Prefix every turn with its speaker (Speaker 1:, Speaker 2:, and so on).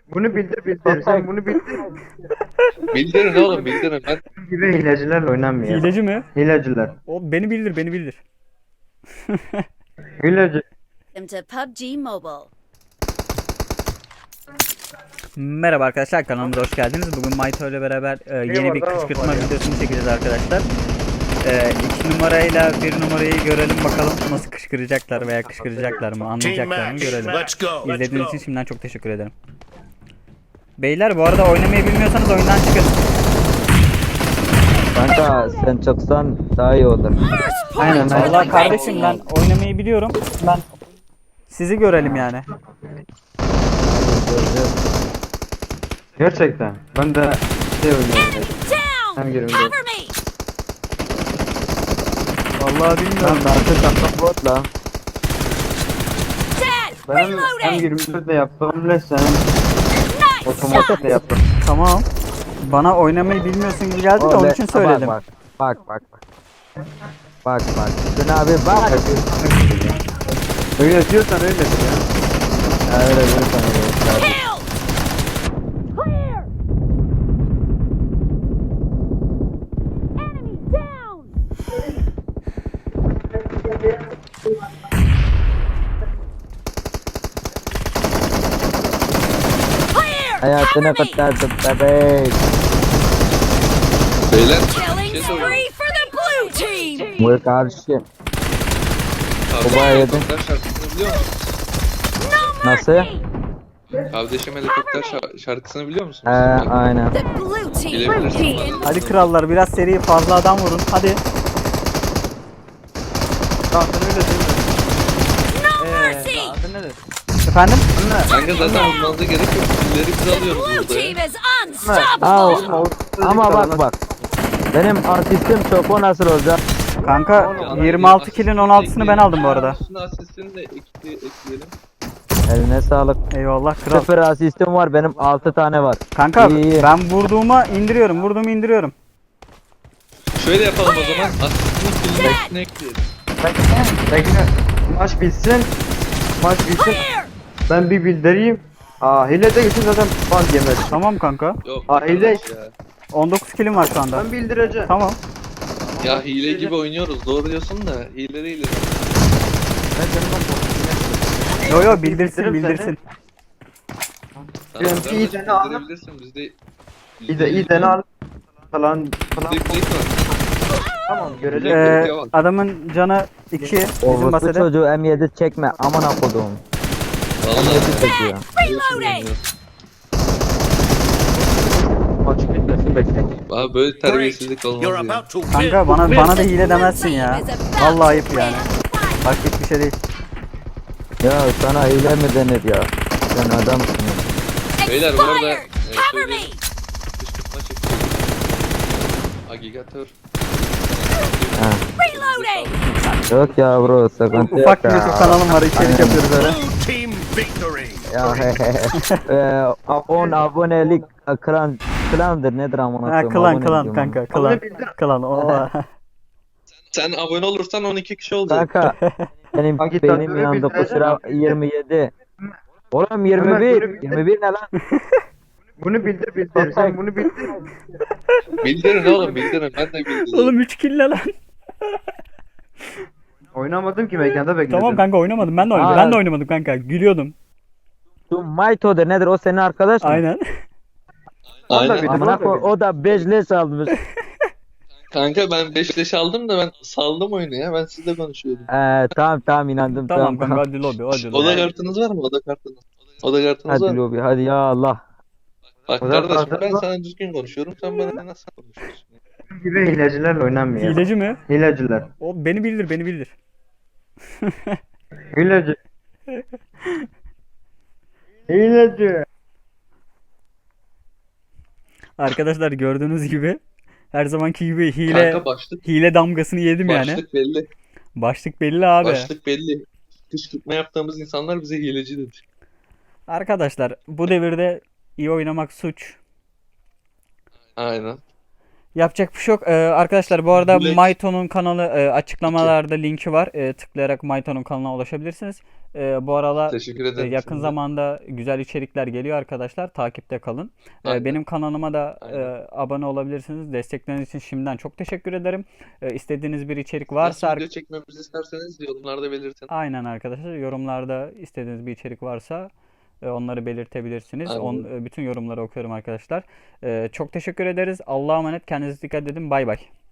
Speaker 1: Bunu bildir. Sen bunu bildir.
Speaker 2: Bildirin oğlum bildirin. Ben
Speaker 1: Gibi hilecilerle oynanmıyor.
Speaker 3: Hileci mi?
Speaker 1: Hileciler.
Speaker 3: O beni bildir, beni bildir.
Speaker 1: Hileci.
Speaker 4: Welcome to PUBG Mobile.
Speaker 3: Merhaba arkadaşlar, kanalımıza hoş geldiniz. Bugün Mayto ile beraber yeni bir kışkırtma videosunu çekeceğiz arkadaşlar. 2 numarayla 1 numarayı görelim bakalım nasıl kışkıracaklar veya kışkıracaklar mı, anlayacaklar mı görelim. İzlediğiniz için şimdiden çok teşekkür ederim. Beyler, bu arada oynamayı bilmiyorsanız oyundan çıkın.
Speaker 5: Kanka sen çıksan daha iyi olur.
Speaker 1: Aynen.
Speaker 3: Vallahi kardeşim, ben oynamayı biliyorum. Ben sizi görelim yani.
Speaker 1: Gerçekten. Ben de şey oynuyorum.
Speaker 4: Down!
Speaker 1: Hem gireyim.
Speaker 4: Cover me!
Speaker 3: Vallahi bilmiyorum.
Speaker 5: Lan artık kanka bot la.
Speaker 4: Dead!
Speaker 1: Ben hem
Speaker 4: Reloading!
Speaker 1: 24 de yaptım ne sen
Speaker 4: Nice
Speaker 1: otomatik de
Speaker 4: shot!
Speaker 1: yaptım.
Speaker 3: Tamam. Bana oynamayı bilmiyorsun gibi geldi de onun için söyledim.
Speaker 5: Bak. Bak. Sen abi bak.
Speaker 1: Öyle diyorsan öyledir ya.
Speaker 5: Öyle bir
Speaker 4: Kill! Clear! Enemy down! Clear!
Speaker 5: Hayatını
Speaker 4: Cover me!
Speaker 5: kurtardım bebek.
Speaker 2: beyler
Speaker 4: Killing
Speaker 2: bir şey soracağım.
Speaker 4: spree for the blue team!
Speaker 5: Bu karşı.
Speaker 2: Kardeşim
Speaker 5: Baba yedin.
Speaker 2: helikopter şarkısını biliyor musun?
Speaker 4: No
Speaker 5: Nasıl?
Speaker 4: mercy!
Speaker 2: Kardeşim helikopter şarkısını biliyor musun?
Speaker 5: Aynen.
Speaker 4: The blue team
Speaker 2: Bilebilirsin
Speaker 4: is
Speaker 2: bana.
Speaker 4: in
Speaker 3: Hadi krallar, biraz seri fazla adam vurun. Hadi.
Speaker 1: Zaten öyle değil mi?
Speaker 4: no mercy!
Speaker 1: Zaten nedir?
Speaker 3: Efendim?
Speaker 2: Kanka zaten vurmanıza gerek yok. Pilleri biz
Speaker 4: The
Speaker 2: alıyoruz
Speaker 4: blue
Speaker 2: burada ya.
Speaker 4: team is
Speaker 5: Aa,
Speaker 4: unstoppable!
Speaker 5: ama bak. Benim asistim çok o nasıl olacak?
Speaker 3: Kanka
Speaker 2: Yani
Speaker 3: 26 kilin 16'sını ben aldım bu arada.
Speaker 2: Üstüne asistini de ekleyelim.
Speaker 5: Eline sağlık.
Speaker 3: Eyvallah kral.
Speaker 5: 0 asistim var, benim 6 tane var.
Speaker 3: Kanka
Speaker 5: İyi.
Speaker 3: ben vurduğumu indiriyorum.
Speaker 2: Şöyle yapalım o zaman. Asistini pilleri üstüne ekleyelim.
Speaker 1: Bekle. Maç bitsin.
Speaker 4: Clear!
Speaker 1: Ben bir bildireyim. Hile de gitsin zaten ban yemez.
Speaker 3: Tamam kanka.
Speaker 2: Yok.
Speaker 1: Hile.
Speaker 2: arkadaş ya.
Speaker 3: 19 kilim var şu anda.
Speaker 1: Ben bildireceğim.
Speaker 3: Tamam.
Speaker 2: Ya hile gibi oynuyoruz. Doğru diyorsun da hile.
Speaker 1: Ben senin
Speaker 3: Yo bildirsin.
Speaker 2: Tamam,
Speaker 1: Ben
Speaker 2: kardeşim,
Speaker 1: iyi tane aldım.
Speaker 2: bildirebilirsin. Bizde
Speaker 1: İyi de ne al falan.
Speaker 2: Bizde plate var.
Speaker 1: Tamam göreceğim.
Speaker 3: Adamın canı 2 bizim
Speaker 5: Orospu
Speaker 3: basede.
Speaker 5: çocuğu M7 çekme, aman akudum.
Speaker 2: Vallahi.
Speaker 5: M7 çekiyor.
Speaker 4: Reloading!
Speaker 1: Maç bitmesin bekle.
Speaker 2: Abi böyle terbiyesizlik olmaz
Speaker 6: You're
Speaker 2: ya.
Speaker 6: about to
Speaker 3: Kanka bana da hile demezsin ya. Vallahi ayıp yani. Bak hiçbir şey değil.
Speaker 5: Ya sana hile mi denir ya? Sen adamsın ya.
Speaker 2: Beyler bu arada
Speaker 4: Expired! Cover me!
Speaker 2: söyleyeyim. Kışkırtma çekiyoruz. Agigatör.
Speaker 5: Ha.
Speaker 4: Reloading!
Speaker 5: Yok ya bro, sıkıntı yok
Speaker 3: Ufak bir
Speaker 5: ya.
Speaker 3: YouTube kanalım var, içerik yapıyoruz öyle.
Speaker 6: Blue team victory.
Speaker 5: Ya abonelik klandır nedir amına
Speaker 3: Ha,
Speaker 5: koyayım?
Speaker 3: klan
Speaker 5: Abone diyorum.
Speaker 3: kanka klan o.
Speaker 2: Sen abone olursan 12 kişi olacak.
Speaker 5: Kanka benim
Speaker 1: Agitatörü
Speaker 5: beynim yandı,
Speaker 1: bildireceksin
Speaker 5: kusura
Speaker 1: abi.
Speaker 5: 27. Oğlum
Speaker 1: Ömer,
Speaker 5: 21.
Speaker 1: bunu bildir.
Speaker 5: 21 ne lan?
Speaker 1: Bunu bildir. Sen bunu bildir.
Speaker 2: Bildirin oğlum bildirin. Ben de bildirin.
Speaker 3: Oğlum 3 kill lan.
Speaker 1: Oynamadım ki mekanda bekledim.
Speaker 3: Tamam kanka, oynamadım. Ben de oynamadım.
Speaker 5: Aa.
Speaker 3: Ben de oynamadım kanka. Gülüyordum.
Speaker 5: Şu Mayto'dur nedir, o senin arkadaş mı?
Speaker 3: Aynen.
Speaker 2: Aynen.
Speaker 1: Bir-
Speaker 5: Amına koy, o da 5 leş almış.
Speaker 2: Kanka ben 5 leş aldım da ben saldım oyunu ya. Ben sizle konuşuyordum.
Speaker 5: Tamam inandım.
Speaker 3: Tamam kanka, hadi lobi.
Speaker 2: Oda kartınız var mı? Oda kartınız. Oda kartınız var
Speaker 5: Hadi
Speaker 2: mı?
Speaker 5: lobi, hadi ya Allah.
Speaker 2: Bak
Speaker 1: Oda
Speaker 2: kardeşim
Speaker 1: kartınız
Speaker 2: ben
Speaker 1: var.
Speaker 2: sana düzgün konuşuyorum. Sen bana nasıl konuşuyorsun?
Speaker 1: Gibi hilecilerle oynanmıyor.
Speaker 3: Hileci mi?
Speaker 1: Hileciler.
Speaker 3: O beni bildir.
Speaker 1: Hileci. Hileci.
Speaker 3: Arkadaşlar gördüğünüz gibi her zamanki gibi
Speaker 2: Kanka başlık
Speaker 3: hile damgasını yedim yani.
Speaker 2: başlık belli.
Speaker 3: Başlık belli abi.
Speaker 2: Başlık belli. Kışkırtma yaptığımız insanlar bize hileci dedi.
Speaker 3: Arkadaşlar bu devirde iyi oynamak suç.
Speaker 2: Aynen.
Speaker 3: Yapacak bir şey yok. Arkadaşlar bu arada
Speaker 2: Black-
Speaker 3: Mayto'nun kanalı açıklamalarda linki var. Tıklayarak Mayto'nun kanalına ulaşabilirsiniz. Bu aralar
Speaker 2: Teşekkür ederim.
Speaker 3: yakın
Speaker 2: Şimdi.
Speaker 3: zamanda güzel içerikler geliyor arkadaşlar. Takipte kalın.
Speaker 2: Aynen.
Speaker 3: Benim kanalıma da
Speaker 2: Aynen.
Speaker 3: abone olabilirsiniz. Destekleriniz için şimdiden çok teşekkür ederim. İstediğiniz bir içerik
Speaker 2: Nasıl
Speaker 3: varsa
Speaker 2: video çekmemizi isterseniz yorumlarda belirtin.
Speaker 3: aynen arkadaşlar, yorumlarda istediğiniz bir içerik varsa onları belirtebilirsiniz.
Speaker 2: Aynen.
Speaker 3: Bütün yorumları okuyorum arkadaşlar. Çok teşekkür ederiz. Allah'a emanet. Kendinize dikkat edin. Bay bay.